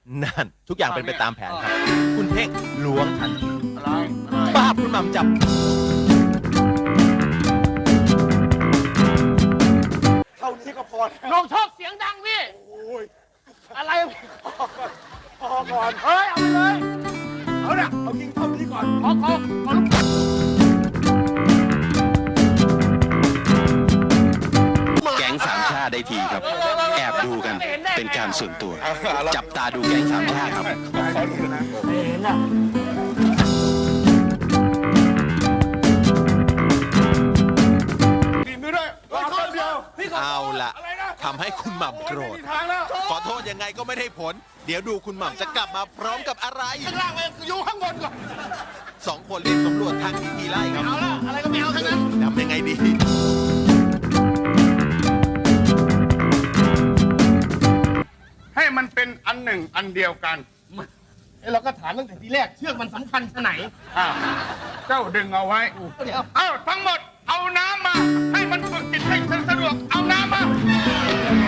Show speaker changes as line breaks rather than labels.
นั่นทุกอย่างเป็นไปตามแผนครับ คุณเท่งล้วงทันที
อะไร
ป้าบคุณหม่ำจับ
เท่านี้ก็พอแล้ว
ลงชอบเสียงดังพี่
โอ้ย
อะไร
พอก่อน
เฮ้ย เอาไปเลย
เอาเนี่ยเอากินเท่านี้ก่อน
ขอลูก
แก๊งสามชาติได้ทีครับ แอบดูกันเป็นการส่วนตัว จับตาดูแก๊งสามชาติครับ
ขอดูนะ
เห็นอ่ะ
กินไปด้วยรอแป๊บเดียว
เอาล่ะ
อะไรนะ
ทำให้คุณหม่ำโกร
ไม่
ธ
มีทางแล้ว
ขอโทษยังไงก็ไม่ได้ผล เดี๋ยวดูคุณหม่ำจะกลับมาพร้อมกับอะไร
ข้างล่างไปอยู่ข้างบนก่อน
สองคนรีบสำรวจทางที่ทีไล่ครับ
เอาละอะไรก็ไม่เอาทั้งนั้น
ทำยังไงดี
ให้มันเป็นอันหนึ่งอันเดียวกัน
เราก็ถามตั้งแต่ทีแรกเชือกมันสำคัญชะไหน
อ่ะเจ้าดึงเอาไว้
เดี๋ยว
เอ้าทั้งหมดเอาน้ำมา ให้มันฝึกจิตให้สะดวกเอาน้ำมา